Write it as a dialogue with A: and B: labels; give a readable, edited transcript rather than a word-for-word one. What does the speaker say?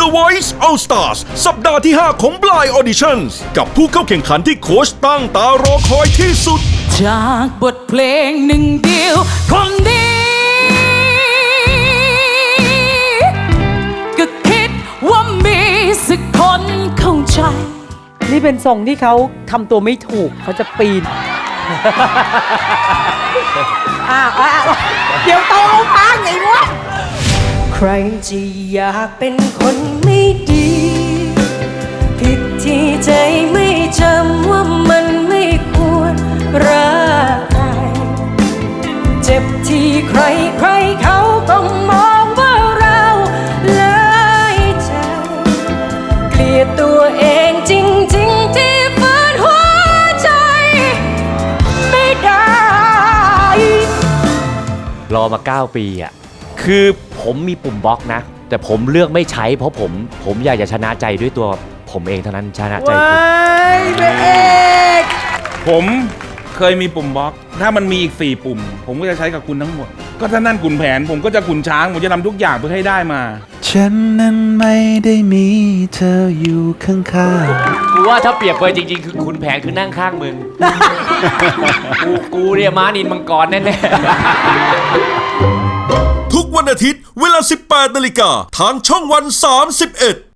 A: The Voice All Stars สัปดาห์ที่ 5 ของ Blind Auditions กับผู้เข้าแข่งขันที่โค้ชตั้งตารอคอยที่สุด
B: จากบทเพลงหนึ่งเดียวคนนี้ก็คิดว่ามีสักคนเข้าใจ
C: นี่เป็นทรงที่เขาทำตัวไม่ถูกเขาจะปีนเดี๋ยวโตเอาพังไอ้วะ
B: ใครจะอยากเป็นคนไม่ดีผิดที่ใจไม่จำว่ามันไม่ควรรักใครเจ็บที่ใครเขาก็มองว่าเราเลยใจเกลียดตัวเองจริงๆที่ฝืนหัวใจไม่ได้
D: รอมา9 ปีอ่ะคือผมมีปุ่มบล็อกนะแต่ผมเลือกไม่ใช้เพราะผมอยากจะชนะใจด้วยตัวผมเองเท่านั้นชนะใจ
E: ผมเคยมีปุ่มบล็อกถ้ามันมีอีก4 ปุ่มผมก็จะใช้กับคุณทั้งหมดก็ถ้านั่นขุนแผนผมก็จะขุนช้างผมจะทำทุกอย่างเพื่อให้ได้มา
F: ฉันนั้นไม่ได้มีเธออยู่ข้าง
D: ๆกูว่าถ้าเปรียบไปจริงๆคือขุนแผนคือนั่งข้างมึง กูเนี่ยม้านินมังกรแน่
A: ๆทุกวันอาทิตย์เวลา 18 นาฬิกาทางช่องวัน 31